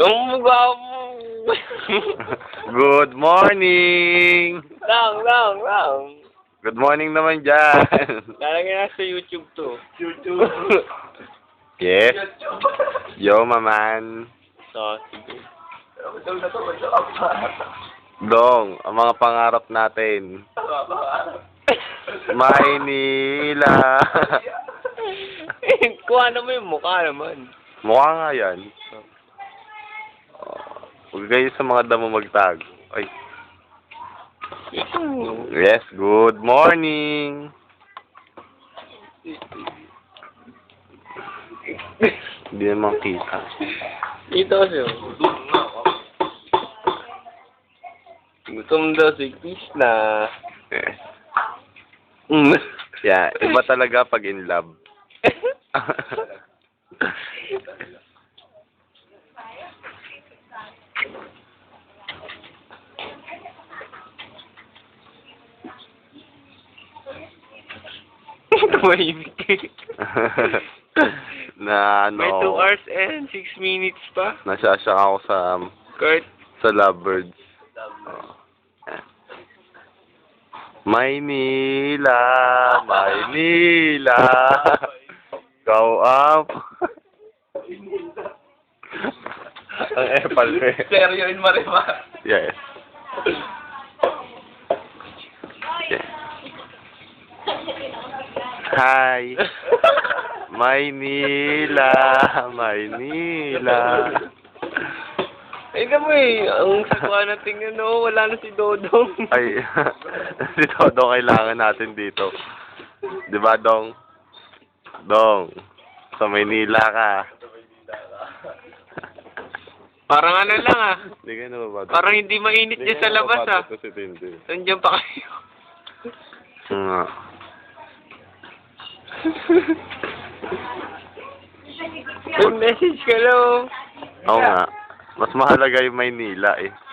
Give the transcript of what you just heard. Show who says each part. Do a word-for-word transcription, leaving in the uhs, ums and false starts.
Speaker 1: Ang mukha mo.
Speaker 2: Good morning!
Speaker 1: Lang, lang, lang.
Speaker 2: Good morning naman dyan.
Speaker 1: Lalagyan na sa YouTube to. YouTube.
Speaker 2: Yes. Yo, maman.
Speaker 1: So, sige.
Speaker 2: Dong, ang mga pangarap natin. Maynila.
Speaker 1: Eh, kuha naman yung mukha naman.
Speaker 2: Mukha nga yan. Oh, huwag kayo sa mga damo magtag. Ay. Yes, good morning. Hindi naman kita.
Speaker 1: Ito siya. Gutom daw si Krishna.
Speaker 2: Yes. Mm. Yeah, iba talaga pag in love.
Speaker 1: Tumahimik
Speaker 2: na ano,
Speaker 1: May two hours and six minutes pa.
Speaker 2: nasyasyak ako sa
Speaker 1: Kurt.
Speaker 2: sa lovebirds. Oh. Yeah. Maynila, Maynila. Go up. Ang epal eh.
Speaker 1: Seryo in Marimar.
Speaker 2: Yes. Yes. Hi. Maynila, Maynila.
Speaker 1: Ay, mo eh. Ang sagwa na tingnan, no? Wala na si Dodong.
Speaker 2: Ay, si Dodong kailangan natin dito. Di ba, Dong? Dong, sa Maynila ka.
Speaker 1: Parang ano lang ah.
Speaker 2: Hindi ka nababado.
Speaker 1: Parang hindi mainit dyan sa labas ah.
Speaker 2: Si Tintin.
Speaker 1: Nandiyan pa kayo.
Speaker 2: Nga.
Speaker 1: May message ka lang.
Speaker 2: Oo nga. Mas mahalaga yung Maynila eh.